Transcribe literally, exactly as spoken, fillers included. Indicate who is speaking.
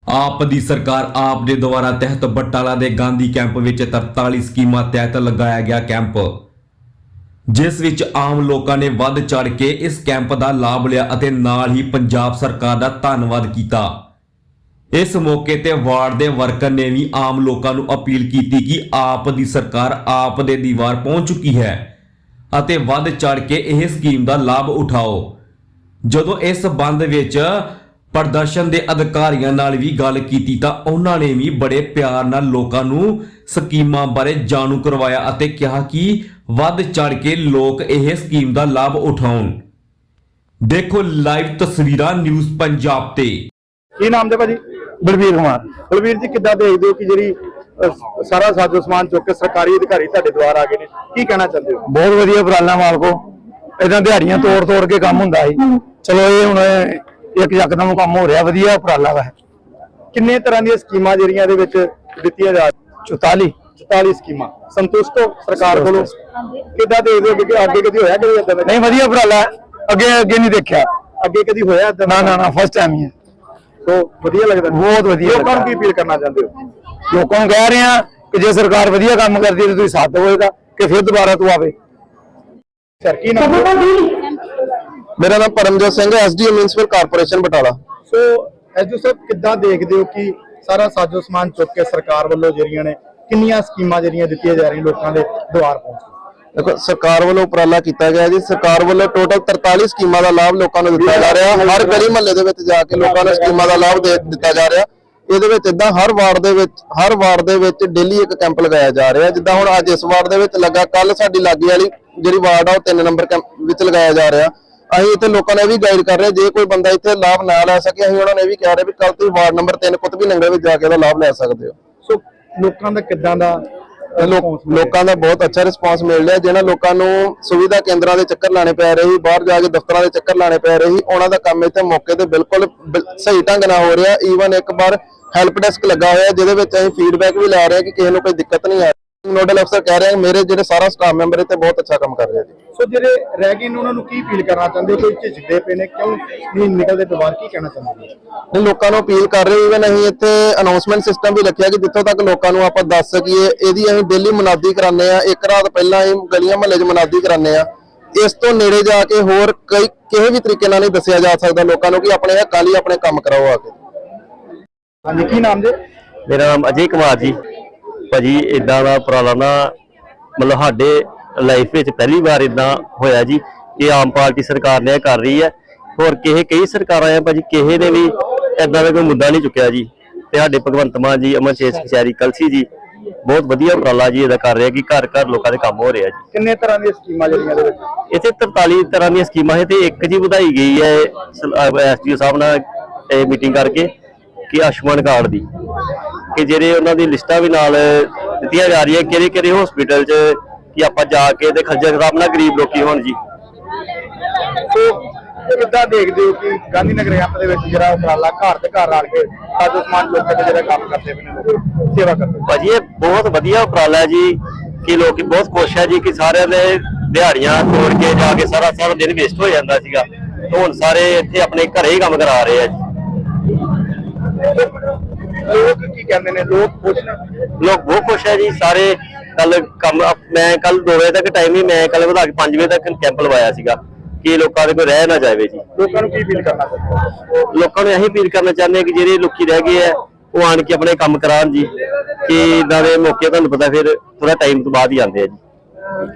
Speaker 1: ਆਪ ਦੀ ਸਰਕਾਰ ਆਪ ਦੇ ਦੁਆਰਾ ਤਹਿਤ ਬਟਾਲਾ ਦੇ ਗਾਂਧੀ ਕੈਂਪ ਵਿੱਚ ਤਰਤਾਲੀ ਸਕੀਮਾਂ ਤਹਿਤ ਲਗਾਇਆ ਗਿਆ ਕੈਂਪ, ਜਿਸ ਵਿੱਚ ਆਮ ਲੋਕਾਂ ਨੇ ਵੱਧ ਚੜ ਕੇ ਇਸ ਕੈਂਪ ਦਾ ਲਾਭ ਲਿਆ ਅਤੇ ਨਾਲ ਹੀ ਪੰਜਾਬ ਸਰਕਾਰ ਦਾ ਧੰਨਵਾਦ ਕੀਤਾ। ਇਸ ਮੌਕੇ ਤੇ ਵਾਰਡ ਦੇ ਵਰਕਰ ਨੇ ਵੀ ਆਮ ਲੋਕਾਂ ਨੂੰ ਅਪੀਲ ਕੀਤੀ ਕਿ ਆਪ ਦੀ ਸਰਕਾਰ ਆਪ ਦੇ ਦੀਵਾਰ ਪਹੁੰਚ ਚੁੱਕੀ ਹੈ ਅਤੇ ਵੱਧ ਚੜ ਕੇ ਇਹ ਸਕੀਮ ਦਾ ਲਾਭ ਉਠਾਓ। ਜਦੋਂ ਇਸ ਸੰਬੰਧ ਵਿੱਚ ਪ੍ਰਦਰਸ਼ਨ ਦੇ ਅਧਿਕਾਰੀਆਂ ਨਾਲ ਵੀ ਗੱਲ ਕੀਤੀ ਤਾਂ ਉਹਨਾਂ ਨੇ ਵੀ ਬੜੇ ਪਿਆਰ ਨਾਲ ਲੋਕਾਂ ਨੂੰ ਸਕੀਮਾਂ ਬਾਰੇ ਜਾਣੂ ਕਰਵਾਇਆ ਅਤੇ ਕਿਹਾ ਕਿ ਵੱਧ ਚੜ ਕੇ ਲੋਕ ਇਹ ਸਕੀਮ ਦਾ ਲਾਭ ਉਠਾਉਣ। ਦੇਖੋ ਲਾਈਵ ਤਸਵੀਰਾਂ ਨਿਊਜ਼ ਪੰਜਾਬ ਤੇ।
Speaker 2: ਕੀ ਨਾਮ ਦੇ ਭਾਜੀ?
Speaker 3: ਬਲਵੀਰ ਕੁਮਾਰ।
Speaker 2: ਬਲਵੀਰ ਜੀ, ਕਿੱਦਾਂ ਦੇਖਦੇ ਹੋ ਕਿ ਜਿਹੜੀ ਅਹ, ਸਾਰਾ ਸਾਜੋ ਸਮਾਨ ਚੁੱਕ ਕੇ ਸਰਕਾਰੀ ਅਧਿਕਾਰੀ ਤੁਹਾਡੇ ਦੁਆਰ ਆ ਗਏ ਨੇ, ਕੀ ਕਹਿਣਾ ਚਾਹੁੰਦੇ ਹੋ?
Speaker 3: ਬਹੁਤ ਵਧੀਆ ਉਪਰਾਲਾ ਮਾਲਕੋ। ਇਦਾਂ ਦਿਹਾੜੀਆਂ ਤੋੜ ਤੋੜ ਕੇ ਕੰਮ ਹੁੰਦਾ ਸੀ, ਚਲੋ ਇਹ ਹੁਣ ਇੱਕ ਯਕਦਮ ਕੰਮ ਹੋ ਰਿਹਾ, ਵਧੀਆ ਉਪਰਾਲਾ ਵਾ।
Speaker 2: ਕਿੰਨੇ ਤਰ੍ਹਾਂ ਦੀਆਂ ਸਕੀਮਾਂ ਜਿਹੜੀਆਂ ਇਹਦੇ ਵਿੱਚ ਦਿੱਤੀਆਂ ਜਾ
Speaker 3: ਚੁਤਾਲੀ
Speaker 2: ਚੁਤਾਲੀ ਸਕੀਮਾਂ ਸੰਤੁਸ਼ਟ ਹੋ ਸਰਕਾਰ ਕੋਲੋਂ? ਕਿੱਦਾਂ ਦੇਖਦੇ ਹੋ ਕਿ ਅੱਗੇ ਕਦੀ ਹੋਇਆ ਕਦੇ ਏਦਾਂ ਦਾ?
Speaker 3: ਨਹੀਂ, ਵਧੀਆ ਉਪਰਾਲਾ, ਅੱਗੇ ਅੱਗੇ ਨਹੀਂ ਦੇਖਿਆ,
Speaker 2: ਅੱਗੇ ਕਦੀ ਹੋਇਆ ਏਦਾਂ ਦਾ?
Speaker 3: ਨਾ ਨਾ ਨਾ ਫਸਟ ਟਾਈਮ ਹੀ ਹੈ।
Speaker 2: ਸੋ ਵਧੀਆ ਲੱਗਦਾ,
Speaker 3: ਬਹੁਤ ਵਧੀਆ।
Speaker 2: ਲੋਕਾਂ ਨੂੰ ਕੀ ਅਪੀਲ ਕਰਨਾ ਚਾਹੁੰਦੇ ਹੋ?
Speaker 3: ਲੋਕਾਂ ਨੂੰ ਕਹਿ ਰਹੇ ਆ ਕਿ ਜੇ ਸਰਕਾਰ ਵਧੀਆ ਕੰਮ ਕਰਦੀ ਹੈ ਤਾਂ ਤੁਸੀਂ ਸਾਥ ਦੇਵੋਗਾ ਕਿ ਫਿਰ ਦੁਬਾਰਾ ਤੂੰ ਆਵੇ।
Speaker 2: ਸਰ ਕੀ ਨਾਮ?
Speaker 4: मेरा नाम परमजोत सिंह है, SDM municipal corporation Batala.
Speaker 2: So ਐਜੂ ਸਾਹਿਬ, ਕਿੱਦਾਂ ਦੇਖਦੇ ਹੋ ਕਿ ਸਾਰਾ ਸਾਜੋ ਸਮਾਨ ਚੁੱਕ ਕੇ ਸਰਕਾਰ ਵੱਲੋਂ ਜਿਹੜੀਆਂ ਨੇ ਕਿੰਨੀਆਂ ਸਕੀਮਾਂ ਜਿਹੜੀਆਂ ਦਿੱਤੀਆਂ ਜਾ ਰਹੀਆਂ ਲੋਕਾਂ ਦੇ ਦੁਆਰ ਪਹੁੰਚ?
Speaker 4: देखो सरकार वालों उपराला किया गया जी। सरकार वालों टोटल तरताली स्कीमां दा लाभ लोकां नूं दित्ता जा रहा है। हर गली महल्ले दे विच जाके लोकां नूं स्कीमां दा लाभ दे दित्ता जा रहा। ਇਹਦੇ ਵਿੱਚ ਇਦਾਂ ਹਰ ਵਾਰਡ ਦੇ ਵਿੱਚ ਹਰ ਵਾਰਡ ਦੇ ਵਿੱਚ ਡੇਲੀ ਇੱਕ ਕੈਂਪ ਲਗਾਇਆ ਜਾ ਰਿਹਾ। ਜਿੱਦਾਂ ਹੁਣ ਅੱਜ ਇਸ ਵਾਰਡ ਦੇ ਵਿੱਚ ਲੱਗਾ, ਕੱਲ ਸਾਡੀ ਲਾਗੇ ਵਾਲੀ ਜਿਹੜੀ ਵਾਰਡ ਆ ਉਹ ਤਿੰਨ ਨੰਬਰ ਕੈਂਪ ਵਿੱਚ ਲਗਾਇਆ ਜਾ ਰਿਹਾ। ਅਸੀਂ ਇੱਥੇ ਲੋਕਾਂ ਨੇ ਵੀ ਗਾਈਡ ਕਰ ਰਹੇ, ਜੇ ਕੋਈ ਬੰਦਾ ਇੱਥੇ ਲਾਭ ਨਾ ਲੈ ਸਕੇ ਅਸੀਂ ਉਹਨਾਂ ਨੇ ਵੀ ਕਹਿ ਰਹੇ ਵੀ ਕੱਲ ਤੁਸੀਂ ਵਾਰਡ ਨੰਬਰ ਤਿੰਨ ਕੁਤਬੀ ਨੰਗਲ ਵਿੱਚ ਜਾ ਕੇ ਇਹਦਾ ਲਾਭ ਲੈ ਸਕਦੇ ਹੋ।
Speaker 2: ਸੋ ਲੋਕਾਂ ਦਾ ਕਿੱਦਾਂ ਦਾ
Speaker 4: ਲੋਕਾਂ ਦਾ ਬਹੁਤ ਅੱਛਾ ਰਿਸਪਾਂਸ ਮਿਲ ਰਿਹਾ। ਜਿਹਨਾਂ ਲੋਕਾਂ ਨੂੰ ਸੁਵਿਧਾ ਕੇਂਦਰਾਂ ਦੇ ਚੱਕਰ ਲਾਣੇ ਪੈ ਰਹੇ ਸੀ, ਬਾਹਰ ਜਾ ਕੇ ਦਫ਼ਤਰਾਂ ਦੇ ਚੱਕਰ ਲਾਣੇ ਪੈ ਰਹੇ ਸੀ, ਉਹਨਾਂ ਦਾ ਕੰਮ ਇੱਥੇ ਮੌਕੇ ਤੇ ਬਿਲਕੁਲ ਸਹੀ ਢੰਗ ਨਾਲ ਹੋ ਰਿਹਾ। ਈਵਨ ਇੱਕ ਵਾਰ ਹੈਲਪ ਡੈਸਕ ਲੱਗਾ ਹੋਇਆ ਜਿਹਦੇ ਵਿੱਚ ਅਸੀਂ ਫੀਡਬੈਕ ਵੀ ਲੈ ਰਹੇ ਹਾਂ ਕਿ ਕਿਸੇ ਨੂੰ ਕੋਈ ਦਿੱਕਤ ਨਹੀਂ ਆ ਰਹੀ। ਨੋਡਲ ਅਫਸਰ ਕਹਿ ਰਹੇ ਮੇਰੇ ਜਿਹੜੇ ਸਾਰਾ ਸਟਾਫ ਮੈਂਬਰ ਇੱਥੇ ਬਹੁਤ ਅੱਛਾ ਕੰਮ ਕਰ ਰਿਹਾ ਜੀ।
Speaker 2: ਸੋ ਜਿਹੜੇ ਰਹਿ ਗਏ ਨੇ ਉਹਨਾਂ ਨੂੰ ਕੀ ਅਪੀਲ ਕਰਨਾ ਚਾਹੁੰਦੇ ਹੋ? ਕੋਈ ਝਿਜਕਦੇ ਪਏ ਨੇ, ਕਿਉਂ ਨਹੀਂ ਨਿਕਲਦੇ ਦੁਬਾਰ, ਕੀ ਕਹਿਣਾ ਚਾਹੁੰਦੇ ਹੋ?
Speaker 4: ਨਹੀਂ, ਲੋਕਾਂ ਨੂੰ ਅਪੀਲ ਕਰ ਰਹੇ। ਇਵਨ ਅਸੀਂ ਇੱਥੇ ਅਨਾਉਂਸਮੈਂਟ ਸਿਸਟਮ ਵੀ ਰੱਖਿਆ ਕਿ ਜਿੱਥੋਂ ਤੱਕ ਲੋਕਾਂ ਨੂੰ ਆਪਾਂ ਦੱਸ ਸਕੀਏ। ਇਹਦੀ ਅਸੀਂ ਡੇਲੀ ਮੁਨਾਦੀ ਕਰਾਉਂਦੇ ਆ। ਇੱਕ ਰਾਤ ਪਹਿਲਾਂ ਅਸੀਂ ਗਲੀਆਂ ਮਹੱਲੇ 'ਚ ਮੁਨਾਦੀ ਕਰਾਉਂਦੇ ਆ। ਇਸ ਤੋਂ ਨੇੜੇ ਜਾ ਕੇ ਹੋਰ ਕਈ ਕਿਸੇ ਵੀ ਤਰੀਕੇ ਨਾਲ ਨਹੀਂ ਦੱਸਿਆ ਜਾ ਸਕਦਾ ਲੋਕਾਂ ਨੂੰ ਕਿ ਆਪਣੇ ਹੱਕਾਂ ਲਈ ਆਪਣੇ ਕੰਮ ਕਰਾਓ ਆ ਕੇ।
Speaker 2: ਹਾਂਜੀ, ਕੀ ਨਾਮ ਜੀ?
Speaker 5: मेरा नाम अजय कुमार जी। भाजी इदा का उपराला ना मतलब साडे लाइफ में पहली बार इदा होया जी कि आम पार्टी सरकार ने कर रही है। होर किसी कई सरकार है भाजी, किसी ने भी इदा का कोई मुद्दा नहीं चुकया जी। ते साडे भगवंत मान जी, अमरशेर कचहरी कलसी जी बहुत वधिया उपराला जी इदा कर रहे कि घर घर लोगों के काम हो रहा जी।
Speaker 2: किन्ने तरह दी स्कीमां ਜਿਹੜੀਆਂ ਦੇ ਵਿੱਚ?
Speaker 5: इत्थे तरताली तरह दी स्कीमां है ते एक जी ਵਧਾਈ गई है एसडीओ साहब नाल मीटिंग करके कि आयुष्मान कार्ड दी कि ਜਿਹੜੇ ਉਹਨਾਂ ਦੀ ਲਿਸਟਾਂ ਵੀ ਨਾਲ ਦਿੱਤੀਆਂ ਜਾ ਰਹੀਆਂ ਕਿਹੜੇ ਕਿਹੜੇ ਹਸਪੀਟਲ 'ਚ ਕਿ ਆਪਾਂ ਜਾ ਕੇ ਤੇ ਖੱਜਲ ਖਰਾਬ ਨਾ ਗਰੀਬ ਲੋਕੀ ਹੋਣ ਜੀ।
Speaker 2: ਸੋ ਕਿੱਦਾਂ ਦੇਖਦੇ ਹੋ ਕਿ ਗਾਂਧੀ ਨਗਰ ਕੈਂਪ ਦੇ ਵਿੱਚ ਜਿਹੜਾ ਉਪਰਾਲਾ ਘਰ ਤੇ ਘਰ ਆ ਕੇ ਸਾਜੋ ਸਮਾਨ ਲੋਕਾਂ ਦੇ ਜਿਹੜਾ ਕੰਮ ਕਰਦੇ ਪਏ ਨੇ, ਸੇਵਾ ਕਰਦੇ?
Speaker 5: ਭਾਜੀ ਇਹ ਬਹੁਤ ਵਧੀਆ ਉਪਰਾਲਾ ਜੀ ਕਿ ਲੋਕੀ ਬਹੁਤ ਖੁਸ਼ ਹੈ ਜੀ ਕਿ ਸਾਰਿਆਂ ਦੇ ਦਿਹਾੜੀਆਂ ਤੋੜ ਕੇ ਜਾ ਕੇ ਸਾਰਾ ਸਾਰਾ ਦਿਨ ਵੇਸਟ ਹੋ ਜਾਂਦਾ ਸੀਗਾ। ਹੁਣ ਸਾਰੇ ਇੱਥੇ ਆਪਣੇ ਘਰੇ ਹੀ ਕੰਮ ਕਰਾ ਰਹੇ ਆ ਜੀ।
Speaker 2: ਲੋਕ ਕੀ ਕਹਿੰਦੇ ਨੇ? ਲੋਕ ਖੁਸ਼ ਨੇ?
Speaker 5: ਲੋਕ ਬਹੁਤ ਖੁਸ਼ ਹੈ ਜੀ ਸਾਰੇ। ਕੱਲ ਕੰਮ ਮੈਂ ਕੱਲ ਦੋ ਵਜੇ ਤੱਕ ਟਾਈਮ ਹੀ ਮੈਂ ਕੱਲ ਵਧਾ ਕੇ ਪੰਜ ਵਜੇ ਤੱਕ ਕੈਂਪ ਲਵਾਇਆ ਸੀਗਾ ਕਿ ਲੋਕਾਂ ਦੇ ਕੋਈ ਰਹਿ ਨਾ ਜਾਵੇ ਜੀ।
Speaker 2: ਲੋਕਾਂ ਨੂੰ ਕੀ ਅਪੀਲ ਕਰਨਾ ਚਾਹੁੰਦੇ?
Speaker 5: ਲੋਕਾਂ ਨੂੰ ਇਹੀ ਅਪੀਲ ਕਰਨਾ ਚਾਹੁੰਦੇ ਕਿ ਜਿਹੜੇ ਲੋਕੀ ਰਹਿ ਗਏ ਆ ਉਹ ਆਣ ਕੇ ਆਪਣੇ ਕੰਮ ਕਰਾਉਣ ਜੀ, ਕਿ ਇਦਾਂ ਦੇ ਮੌਕੇ ਤੁਹਾਨੂੰ ਪਤਾ ਫਿਰ ਥੋੜਾ ਟਾਈਮ ਤੋਂ ਬਾਅਦ ਹੀ ਆਉਂਦੇ ਆ ਜੀ।